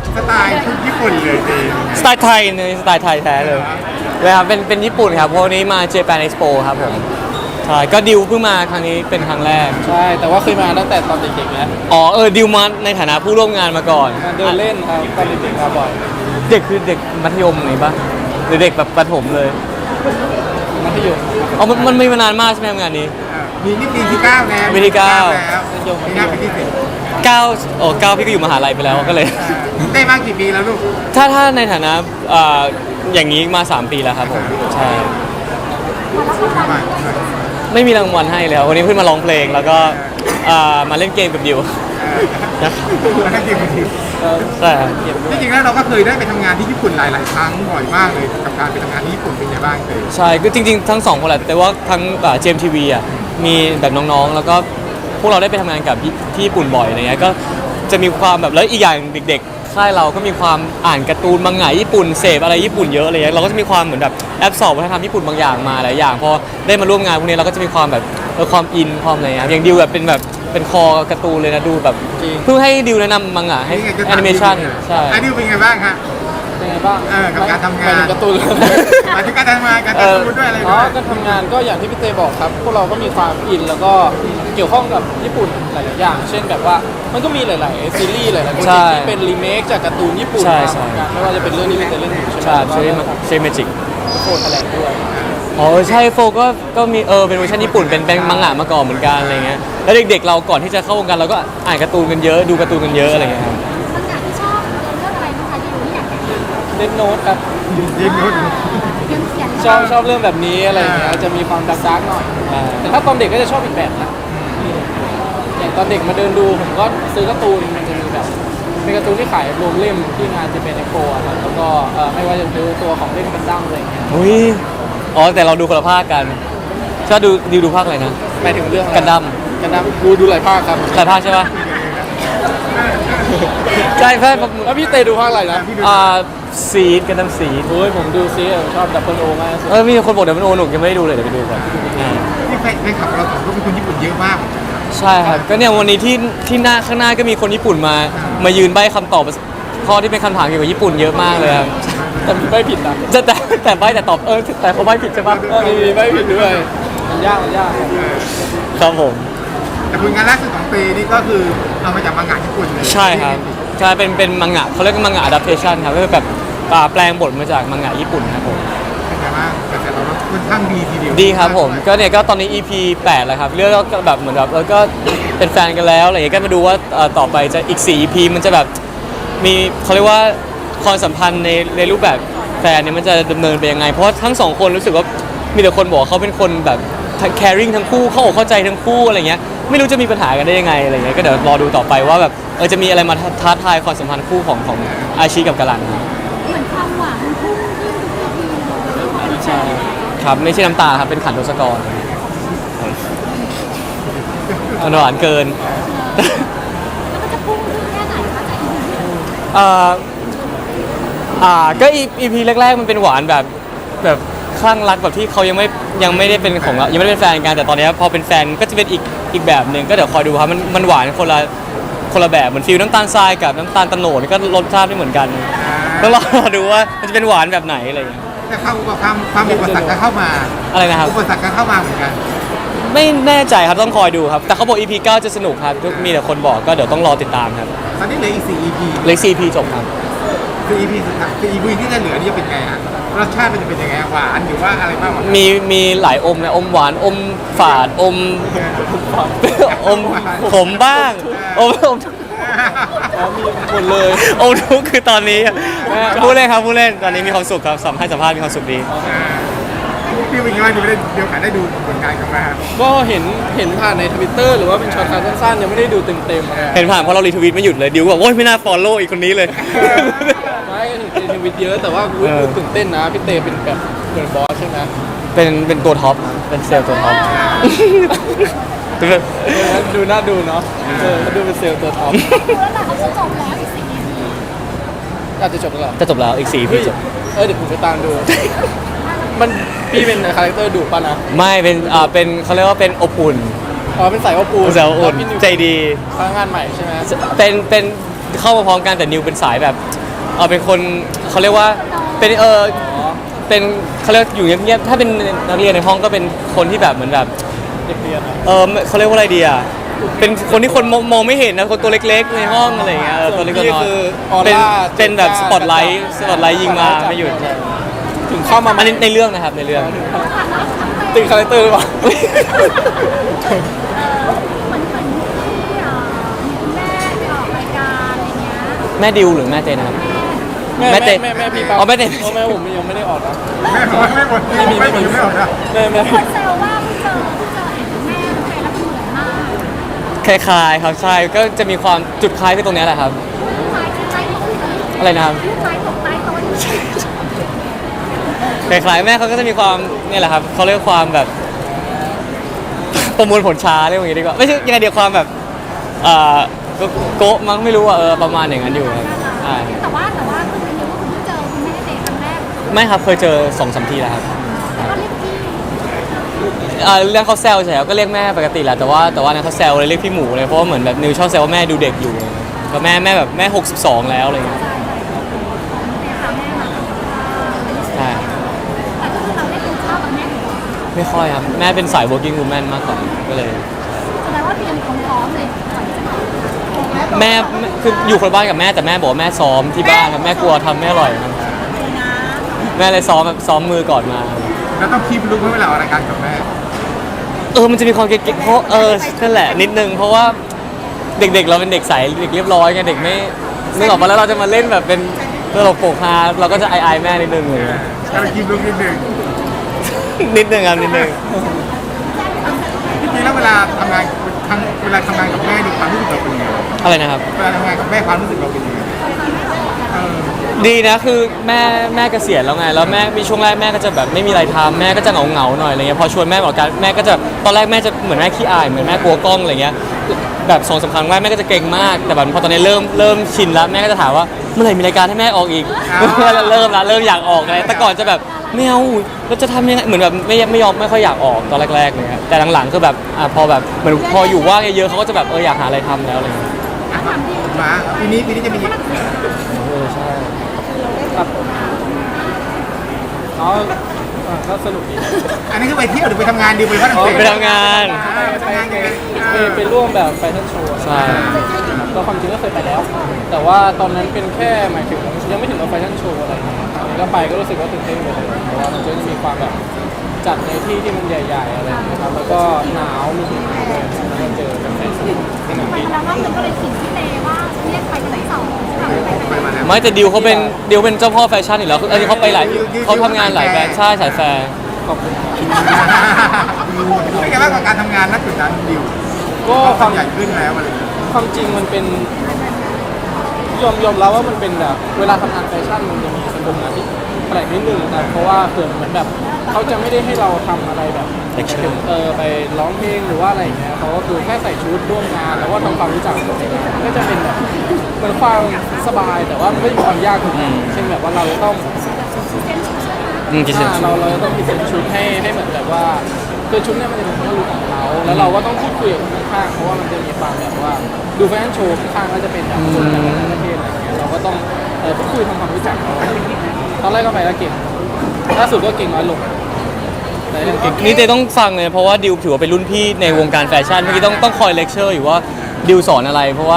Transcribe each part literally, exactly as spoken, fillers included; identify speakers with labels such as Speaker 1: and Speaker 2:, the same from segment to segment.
Speaker 1: สไตล์ชุดญี่ปุ่นเลยจริง
Speaker 2: สไตล์ไทยในสไตล์ไทยแท้เลยเลยครับเป็นเป็นญี่ปุ่นครับเพราะวันนี้มา Japan Expo ครับผมใช่ก็ดิวเพิ่งมาครั้งนี้เป็นครั้งแรก
Speaker 3: ใช่แต่ว่าเคยมาตั้งแต่ตอนเด็กๆแล้ว
Speaker 2: อ๋อเออดิวมาในฐานะผู้ร่วมงานมาก่อน
Speaker 3: มาเดินเล่นครับตอนเด็กๆมาบ่อย
Speaker 2: เด็กคือเด็กมัธยมไงปะหรือเด็กแบบประถมเลย
Speaker 3: มัธยม
Speaker 2: อ๋อมันมันมีมานานมากใช่ไหมงานนี้
Speaker 1: มีนี่ปีที่เก้าแล้ว
Speaker 2: ปีที่เก้า
Speaker 1: แล้วปีหน้าปีที่สิบ
Speaker 2: เก้าโอ้เก้าพี่ก็อยู่มหาลัยไปแล้วก็เลย
Speaker 1: ได้มากี่ปีแล้วลูก
Speaker 2: ถ้าถ้าในฐานะอ่าอย่างนี้มาสามปีแล้วครับผมใช่ไม่มีรางวัลให้แล้ววันนี้เพิ่งมาร้องเพลงแล้วก็อ่ามาเล่นเกมกับดิวนะครับใช่
Speaker 1: จริงๆแล้วเราก็เคยได้ไปทำงานที่ญี่ปุ่นหลายๆครั้งบ่อยมากเลยกับการไปทำงานที่ญี่ปุ่นเป็นไงบ้างเคย
Speaker 2: ใช่ก็จริงๆทั้งสองคนแหละแต่ว่าทั้งเจมทีวีอ่ะมีแบบน้องๆแล้วก็พวกเราได้ไปทำงานกับที่ญี่ปุ่นบ่อยอะไรเงี้ยก็จะมีความแบบแล้วอีกอย่างเด็กๆค่ายเราก็มีความอ่านการ์ตูนมังงะญี่ปุ่นเสพอะไรญี่ปุ่นเยอะอะไรเงี้ยเราก็จะมีความเหมือนแบบแอบสอบวัฒนธรรมญี่ปุ่นบางอย่างมาหลายอย่างพอได้มาร่วมงานพวกนี้เราก็จะมีความแบบความอินความอะไรเงี้ยอย่างดิวแบบเป็นแบบเป็นคอการ์ตูนเลยนะดูแบบเพิ่งให้ดิวแนะนำมังงะให้แอนิเมชันใช่
Speaker 1: ไอ้ดิวเป็นไงบ้างฮะ
Speaker 3: เป็นไงบ้าง
Speaker 1: เออกับการทำงาน
Speaker 3: การ์ตูน
Speaker 1: หมายถึงการทำงานการการ์ตูนด้วยอะไร
Speaker 3: อ๋อการทำงานก็อย่างที่พี่เตบอกครับพวกเราก็มีความอินแล้วก็เกี่ยวข้องกับญี่ปุ่นหลายๆอย่างเช่นแบบว่ามันก็มีหลายๆซีรีส์หลายๆโปรเจกต์ที่เป็นรีเมคจากการ์ตูนญี่ปุ่นมาไม่ว่าจะเป็นเรื่องนี้เป็นเรื่องนี้ใช่ไหม
Speaker 2: ใช่ใช่ใช่เมจิก
Speaker 3: โคตรแถลงด้วย
Speaker 2: อ๋อใช่โฟก็ก็มีเออเป็นเวอร์ชันญี่ปุ่นเป็นเป็นมังงะมาก่อนเหมือนกันอะไรเงี้ยแล้วเด็กๆเราก่อนที่จะเข้าวงการเราก็อ่านการ์ตูนกันเยอะดูการ์ตูนกันเยอะอะไรเงี้ยครับ
Speaker 4: มังงะที่ชอบเรื่องอะไรนะคะที่อยู่ที่อยากเขียน
Speaker 3: เล่นโน้ตครับ
Speaker 1: เล่นโน้ต
Speaker 3: ชอบชอบเรื่องแบบนี้อะไรอย่างเงี้ยจะมีความดาร์กๆหน่อยแต่ถ้าตอนเด็กก็จะชอบอีกแบบนะอย่างตอนเด็กมาเดินดูผมก็ซื้อการ์ตูนมันจะมีแบบเป็นการ์ตูนที่ขายรวมเล่มที่งานจะเป็นเอ็กโปครับแล้วก็ไม่ว่าจะดูตัวของเล่นกันดั้มอะไรอย่างเงี้ย
Speaker 2: อุ้ยอ๋อแต่เราดูคนละภาคกันชอบดูดิวดูภาคอะไรนะ
Speaker 3: หมายถึงเรื่อง
Speaker 2: กันดั้ม
Speaker 3: กันดั้มดูดูหลายภาคครับ
Speaker 2: หลายภาคใช่ปะใช่เพื่อน
Speaker 3: แล้วพี่เตดูภาคอะไรนะ
Speaker 2: อ่าซีดกันดั้มซีด
Speaker 3: โอ้ยผมดูซีดชอบดับเบิลโอมาก
Speaker 2: เออมีคนบอกดับเบิลโอหนุกยังไม่ได้ดูเลยเดี๋ยวไปดูก่อน
Speaker 1: นี่แฟนแฟนคลับเราสองคนเป็นคนญี่ปุ่นเยอะมาก
Speaker 2: ใช่ครับก็เนี่ยวันนี้ที่ที่หน้าข้างหน้าก็มีคนญี่ปุ่นมามายืนใบ้คำตอบข้อที่เป็นคำถามเกี่ยวกับญี่ปุ่นเยอะมากเลยครับ
Speaker 3: แต่มีใบ้ผิดนะ
Speaker 2: แต่แต่แต่ใบ้แต่ตอบเออแต่เขาใบ้ผิดใช่ปะ
Speaker 3: เออมีใบ้ผิดด้วยมันยากมันยาก
Speaker 2: ครับผม
Speaker 1: แต่ผลงานล่าสุดของเปนี่ก็คือเอามาจากมังงะญี่ปุ่นเลย
Speaker 2: ใช่ครับใช่เป็นเป็นมังงะเขาเรียกว่ามังงะ adaptation ครับก็คือแบบแปลงบทมาจากมังงะญี่ปุ่นครับผม
Speaker 1: เป็นไงบ้างกระแสตอบรับค่อนข้างดีทีเดียว
Speaker 2: ดีครับผมก็เนี่ยก็ตอนนี้ อี พี แปดแล้วครับเรื่องก็แบบเหมือนแบบแล้วก็เป็นแฟนกันแล้วอะไรอย่างเงี้ยก็มาดูว่าต่อไปจะอีกสี่ อี พี มันจะแบบมีเขาเรียกว่าความสัมพันธ์ในในรูปแบบแฟนเนี่ยมันจะดำเนินไปยังไงเพราะทั้งสองคนรู้สึกว่ามีแต่คนบอกเขาเป็นคนแบบ caring ทั้งคู่เข้าอกเข้าใจทั้งคู่อะไรเงี้ยไม่รู้จะมีปัญหากันได้ยังไงอะไรเงี้ยก็เดี๋ยวรอดูต่อไปว่าแบบเออจะมีอะไรมาท้าทายความสัมพันธ์คู่ของของอาชีกับกาลัน
Speaker 4: เหมือนความหวานพุ่งขึ้นทุกทีเลย
Speaker 2: ใช่ครับไม่ใช่น้ำตาครับเป็นขันทศกรมันหวานเกิน
Speaker 4: แล้วมันจะพุ่งขึ้นแค่ไหนคะจากอีพีที่
Speaker 2: อ่าอ่าก็อีพีแรกๆมันเป็นหวานแบบแบบคลั่งรักแบบที่เขายังไม่ยังไม่ได้เป็นของยังไม่ได้เป็นแฟนกันแต่ตอนนี้พอเป็นแฟนก็จะเป็นอีกอีกแบบหนึ่งก็เดี๋ยวคอยดูครับมันมันหวานคนละคนละแบบเหมือนฟิลน้ำตาลทรายกับน้ำตาลตะโหนดก็รสชาติไม่เหมือนกันต้องรอดูว่ามันจะเป็นหวานแบบไหนอะไรอย่างเงี้ย
Speaker 1: แต่ความความความอุปสรรคก็เข้ามา
Speaker 2: อะไรนะครับ
Speaker 1: อุปสรรคก็เข้ามาเหมือนกัน
Speaker 2: ไม่แน่ใจครับต้องคอยดูครับแต่เขาบอก อี พี เก้าจะสนุกครับมีแต่คนบอกก็เดี๋ยวต้องรอติดตามครับ
Speaker 1: ตอนนี้เหลืออีกสี่ อี พี
Speaker 2: เหลือสี่ อี พี จบครับ
Speaker 1: คือ อี พี สุดท้ายคือ อี พี ที่จะเหลือนี่จะเป็นไงฮะรสชาติมันจะเป็นยังไงหวานหรือว่าอะไรบ้าง
Speaker 2: มีมีหลายอมนะอมหวานอมฝาดอมอมขมบ้างอมอม
Speaker 3: มีหมดเลย
Speaker 2: อมทุกคือตอนนี้พูดเล่นครับพูดเล่นตอนนี้มีความสุขครับสัมภาษณ์สัมภาษณ์มีความสุขดี
Speaker 1: พี่เป็นยังไงดูได้เดี๋ยวกันได้ดูผลงานกันไหมครับ
Speaker 3: ก็เห็นเห็นผ่านใน Twitter หรือว่าเป็นช็อตการสั้นๆยังไม่ได้ดูเต็มๆ
Speaker 2: เห็นผ่านเพราะเรารีทวีตไม่หยุดเลยดิวบอกโอ๊ยไม่น่าฟอลโล่อีกคนนี้เลย
Speaker 3: ไม่เห็นรีทวีตเยอะแต่ว่าตื่นเต้นนะพี่เตเป็นแบบเหมือนบอสใช่ไหม
Speaker 2: เป็นเป็นตัวท็อปเป็นเซลล์ตัวท็อป
Speaker 3: ดูน่าดูเนาะเออดูเป็นเซลล์ตัวท็อป
Speaker 4: แล้วแต่เขาจะจบแล้วอีกสี่ อี พี
Speaker 3: อาจจะจบแล้ว
Speaker 2: จะจบแล้วอีกสี่ อี พีจบ
Speaker 3: เออเดี๋ยวผมจะตามดูมันพี่เป็นคาแรคเตอร์ดุป่ะนะ
Speaker 2: ไม่เป็นอ่าเป็นเขาเรียกว่าเป็นอบอุ่น
Speaker 3: อ๋อเป็นสายอบอุ่น
Speaker 2: สายอบอุ่นใจดี
Speaker 3: พนักงานใหม่ใช่ไหม
Speaker 2: เป็นเป็นเข้ามาพร้อมกันแต่นิวเป็นสายแบบอเป็นคนเขาเรียกว่าเป็นเออเป็นเขาเรียกอยู่เงียบๆถ้าเป็นนักเรียนในห้องก็เป็นคนที่แบบเหมือนแบบ
Speaker 3: เด็กเรียนอะ
Speaker 2: เออเขาเรียกว่าอะไรดีอ่ะเป็นคนที่คนมองมองไม่เห็นนะคนตัวเล็กๆในห้องอะไรอย่างเงี้ยเออตัวเล็กตัวน้อย
Speaker 3: คือออ
Speaker 2: เป็น
Speaker 3: ร่า
Speaker 2: เป็นแบบสปอตไลท์สปอตไลท์ยิงมาไม่หยุด
Speaker 3: ถึงเข้ามา
Speaker 2: อันนี้ในเรื่องนะครับในเรื่อง
Speaker 3: ติดคาแรคเตอร์หรือเปล่า
Speaker 4: เหมือนเหมือนที่เอ่อมีคุณแม่ไปออกรายการอะไรเงี้ย
Speaker 2: แม่ดิวหรือแม่เจนนะครับ
Speaker 3: แม่
Speaker 2: แม่
Speaker 3: แม่
Speaker 2: เต้
Speaker 3: แม่แม่พี่ปั๊บ
Speaker 2: อ๋อแม่เต้
Speaker 3: โอ้แม่ผมยังไม่ได้ออกนะ
Speaker 1: แม่บอกว่าไม่หมดไม่ไม่หมดไม่หมดนะ
Speaker 3: แม่แม่
Speaker 4: คนแซวว่าเพิ่งเจอเพิ่งเจอเห็นแม่ทำไมแล้วเหมือนมาก
Speaker 2: คล้ายๆครับใช่ก็จะมีความจุดคล้ายที่ตรงเนี้ยแหละครับ
Speaker 4: ลูกไม้ที่ใต้โต๊ะ
Speaker 2: อะไรนะครับ
Speaker 4: ลูกไม้ตกใต้โต๊ะ
Speaker 2: คล้ายๆแม่เขาก็จะมีความเนี่ยแหละครับเขาเรียกความแบบ ประมวลผลช้าเรียกว่าอย่างนี้ดีกว่าไม่ใช่ยังไงเดียวความแบบเอ่อโกโกะมั้งไม่รู้อ่ะเออประมาณอย่างนั้นอยู่ครับใช่
Speaker 4: แต่ว่าแต่ว่าคือเป็นรู้ว่าคุณเพิ่งเจอคุณแม่เจครั้งแรก
Speaker 2: ไม่ครับเคยเจอสองสามทีแล้วครับ
Speaker 4: แล้วก็เรียกพี่
Speaker 2: เอ่อเรื่องเขาแซวใช่ครับก็เรียกแม่ปกติแหละแต่ว่าแต่ว่าเนี่ยเขาแซวเลยเรียกพี่หมูเลยเพราะว่าเหมือนแบบนิวชอบแซวว่าแม่ดูเด็กอยู่แล้วแม่แม่แบบแม่หกสิบสองแล้วอะไรเงี้ย
Speaker 4: เนี่ยค่ะแม่มา
Speaker 2: ใช่
Speaker 4: แต่ก็คือเราได้กินข้าวกับแม่อยู่
Speaker 2: ไม่ค่อยครับแม่เป็นสาย working woman มากกว่าก็เลย
Speaker 4: แสดงว่าเตรียมพร้อมๆเลยก่อนที่จะมา
Speaker 2: แม่แม่คืออยู่คนละบ้านกับแม่แต่แม่บอกว่าแม่ซ้อมที่บ้านครับแม่กลัวทำไม่อร่อยครับแม่เลยซ้อมแบบซ้อมมือก่อนมา
Speaker 1: แล้วต้องคีบลุกให้เวลาออกรายการกับแม่
Speaker 2: เออมันจะมีความเก๊กๆเพราะเออนั่นแหละนิดนึงเพราะว่าเด็กๆเราเป็นเด็กใสเด็กเรียบร้อยไงเด็กไม่นึกออกมาแล้วเราจะมาเล่นแบบเป็นตลกโปกฮาเราก็จะอายๆแม่นิดนึงเลย
Speaker 1: ก็เลยคีบลุกนิดนึง
Speaker 2: นิดนึงครับนิดนึง
Speaker 1: จริงๆแล้วเวลาทำงานทางเวลาทำงานกับแม่นี่ความรู้สึกเราเป็นยังไง
Speaker 2: อะไรนะครับ
Speaker 1: เวลาทำงานกับแม่ความรู้สึกเราเป็นยังไงเออ
Speaker 2: ดีนะคือแม่แม่เกษียณแล้วไงแล้วแม่มีช่วงแรกแม่ก็จะแบบไม่มีอะไรทำแม่ก็จะเหงาเหงาๆหน่อยอะไรเงี้ยพอชวนแม่ออกการแม่ก็จะตอนแรกแม่จะเหมือนแม่ขี้อายเหมือนแม่กลัวกล้องอะไรเงี้ยแบบสองสามครั้งแรกแม่ก็จะเก่งมากแต่แบบพอตอนนี้เริ่มเริ่มชินแล้วแม่ก็จะถามว่าเมื่อไหร่มีรายการให้แม่ออกอีก เริ่มละเริ่มอยากออกอะไรแต่ก่อนจะแบบไม่เอาเราจะทำยังไงเหมือนแบบไม่ไม่ยอมไม่ค่อยอยากออกตอนแรกๆเลยครับแต่หลังๆคือแบบอ่ะพอแบบเหมือนพออยู่ว่างเยอะๆเขาก็จะแบบเอออยากหาอะไรทำแล้วอะไรเงี้ย
Speaker 1: มาปีนี้ปีนี้จะมี
Speaker 2: เออใช่
Speaker 3: ครับอ๋อเออก็สนุกดี
Speaker 1: อันนี้คือไปเที่ยวหรือไปทำงานดีไปฝรั่งเศส
Speaker 2: ไปทำงาน
Speaker 1: ไปทำงานยังไง
Speaker 3: ไปไปร่วมแบบแฟชั่นโชว์
Speaker 2: ใช่
Speaker 3: ก็ความจริงก็เคยไปแล้ว แต่ว่าตอนนั้นเป็นแค่หมายถึงยังไม่ถึงกับแฟชั่นโชว์อะไรอย่างเงี้ยอันนี้ก็ไปก็รู้สึกว่าตื่นเต้นไปเลยเพราะว่ามันจะมีความแบบจัดในที่ที่มันใหญ่ๆอะไรอย่างเงี้ยครับแล้วก็หนาวมีหิมะด้วยแล้วก็เจอกันแฟชั่นที่หนาว
Speaker 4: ไป
Speaker 3: ดี
Speaker 4: แล้วรอบนึงก็เลยขิงพี่เตว่าเรียกไปกันไหนสองใช่ไหมไป
Speaker 1: ไปมาแล้ว
Speaker 2: ไม่แต่ดิวเขาเป็นดิวเป็นเจ้าพ่อแฟชั่นอยู่แล้วคือเออเขาไปหลายเขาทำงานหลายแบรนด์ใช่สายแฟร์
Speaker 3: ขอบคุณครับ
Speaker 1: เป็นไงบ้างกับการทำงานณจุดนั้นดิว
Speaker 3: ก็คาว
Speaker 1: ความ มใหญ่ขึ้นแล้วอะไรอย่างเงี้ย
Speaker 3: ความจริงมันเป็นยอมยอมรับว่ามันเป็นแบบเวลาทำงานแฟชั่นมันจะมีเป็นวงงานที่แปลกนิดนึงนะเพราะว่าเกิดเหมือนแบบเขาจะไม่ได้ให้เราทำอะไรแบบ
Speaker 2: Lecture
Speaker 3: เออไปร้องเพลงหรือว่าอะไรอย่างเงี้ยเขาก็คือแค่ใส่ชุดร่วมงานแล้วก็ทำความรู้จักกับในงานมันก็จะเป็นแบบเหมือนความสบายแต่ว่ามันก็มีความยากอยู่นะเช่นแบบว่าเราจะต้อง
Speaker 2: อืมกินเสร็จ
Speaker 3: อ่าเราเราจะต้องพิเศษชุดให้ให้เหมือนแบบว่าคือชุดเนี่ยมันจะเป็นความรู้ของเขาแล้วเราก็ต้องพูดคุยกับคนข้างๆเพราะว่ามันจะมีความแบบว่าดูแฟชั่นโชว์ข้างๆก็จะเป็นแบบคนจากหลายประเทศอะไรอย่างเงี้ยเราก็ต้องเออพูดคุยทำความรู้จักเขาตอนแรกก็ไปแล้วเก่งล่าสุดก็เก่งน้อยลงแต่ยังเก่ง
Speaker 2: นี่เต้ต้องฟังเลยเพราะว่าดิวถือว่าเป็นรุ่นพี่ในวงการแฟชั่นเมื่อกี้ต้องต้องคอยเลคเชอร์อยู่ว่าดิวสอนอะไร เพราะว่า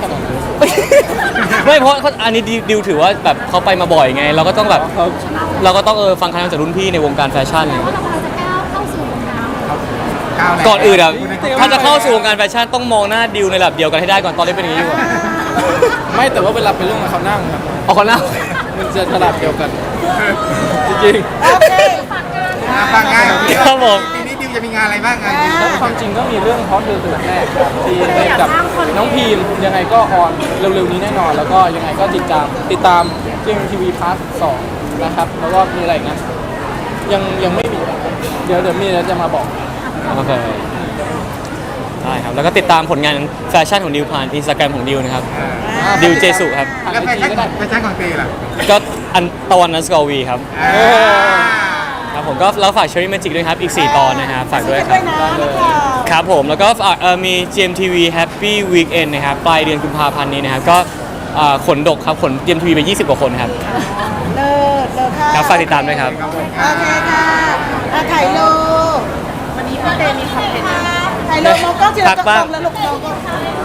Speaker 3: ไม่ไม่ขนาดนั้น
Speaker 2: ไม่เพราะเขาอันนี้ดิวดิวถือว่าแบบเขาไปมาบ่อยไง เราก็ต้องแบบ
Speaker 3: เขา
Speaker 2: เราก็ต้องเออฟังคำจากรุ่นพี่ในวงการแฟชั่น
Speaker 4: ว่าเรากำลังจะก้าวเข้าสู่วงการ
Speaker 1: ก้าวแร
Speaker 2: ก่อนอื่นอ่ะถ้าจะเข้าสู่วงการแฟชั่นต้องมองหน้าดิวในระดับเดียวกันให้ได้ก่อนตอนนี้เป็นอย่างนี้อยู่อะ
Speaker 3: ไม่แต่ว่าเวลาไปร่วมกับเขานั่งครับ
Speaker 2: เอาคนหน้า
Speaker 3: มันจะระดับเดียวกัน จริง
Speaker 4: โอเคฝากงาน
Speaker 1: อ่ะฟังงาน
Speaker 2: ครับผม
Speaker 1: ปีนี้ดิวจะมีงานอะไรบ้างงาน
Speaker 3: ๆแล้วความจริงก็มีเรื่องฮอตเดือนตื่นแรกครับที่เล่นกับน้องพีมยังไงก็ออนเร็วๆนี้แน่นอน แล้วก็ยังไงก็ติดตามติดตามเจมทีวีพาร์ทสองนะครับแล้วก็มีอะไรอีกนะยังยังไม่มีเดี๋ยวเดี๋ยวมีแล้วจะมาบอก
Speaker 2: โอเคได้ครับแล้วก็ติดตามผลงานแฟชั่นของดิวผ่านอินสตาแกรมของดิวนะครับ ดิวเจสุครับ
Speaker 1: แล้วแฟชั่นแฟชั่นของเตล่ะ
Speaker 2: ก็อันตะวันนัสกอวีครับ
Speaker 1: อ่า
Speaker 2: ครับผมก็แล้วฝาก Cherry Magic ด้วยครับ อีก สี่ ตอนนะครับฝากด้วยครับ
Speaker 3: ได้เลย
Speaker 2: ครับผมแล้วก็ฝากเอ่อมี จี เอ็ม ที วี Happy Weekend นะครับปลายเดือนกุมภาพันธ์นี้นะครับ ก็อ่าขนดกครับขน จี เอ็ม ที วี ไปยี่สิบกว่าคนครับ
Speaker 5: เลิศเลิศค่ะ
Speaker 2: ครับฝากติดตามด้วยครับ
Speaker 1: ขอบคุณค
Speaker 5: โอ
Speaker 1: รับ
Speaker 5: เคค่ะอ่ะถ่ายรูปวันนี้พี่เตมีคอนเทนต์ถ่ายรูปมองกล้องทีละ
Speaker 2: ทัก
Speaker 5: กล้
Speaker 2: บ้าง
Speaker 5: องแล้วลูกมองกล้อง